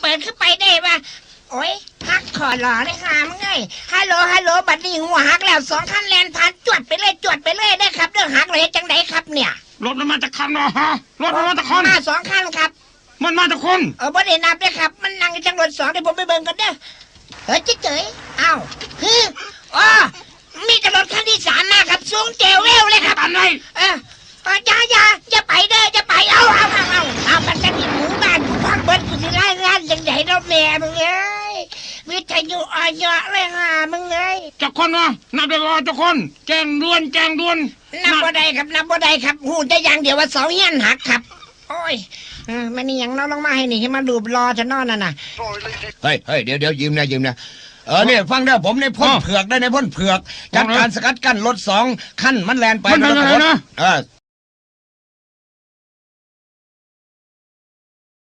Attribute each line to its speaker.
Speaker 1: ปิดขึ้นไปได้ปะโอ้ยฮักขอหล่อเลยค่ะมึงไงฮัลโหลบัดนี้หัวฮักแล้ว2 คันแลนผ่านจวดไปเลยได้ครับเรื่องฮักเลยจังไดครับเนี่ย
Speaker 2: รถมันมาจากคันเนาะฮะรถมันมาจากคัน
Speaker 1: มา2 คันครับ
Speaker 2: มันมาจากคน
Speaker 1: บ่ได้นับเลยครับมันนั่งจังรถ2เดี๋ยวผมไปเบิ่งกันเด้อเจ๋ยอ้าวอ๋อมีแต่รถคันที่3มาครับสูงเจวเวลเลยครับ
Speaker 2: ตันเลย
Speaker 1: อย่าไปเด้ออย่าไปเอามันจะมีหมู่บ้านพังเบิดกูสิไล่งานยังไงเนาะแม่มึงเอ้ยวิทยุออยเลยฮะมึงเอ้ย
Speaker 2: จากคนวะนับได้ว่าจากคนแจ้งด่วน
Speaker 1: นับบ่ได้ครับหูจะอย่างเดียวว่าเสาเฮียนหักครับโอ้ยมันนี่ยังน้องลงมาให้นี่ให้มันรูปรอจะนอนน่ะ
Speaker 3: เฮ้ยเดี๋ยวยืมนะเนี่ยฟังได้ผมในพ่นเผือกได้ในพ่นเผือกจัดการสกัดกั้นรถ2 คันมันแลนไป
Speaker 2: มันเป็นอะไรนะ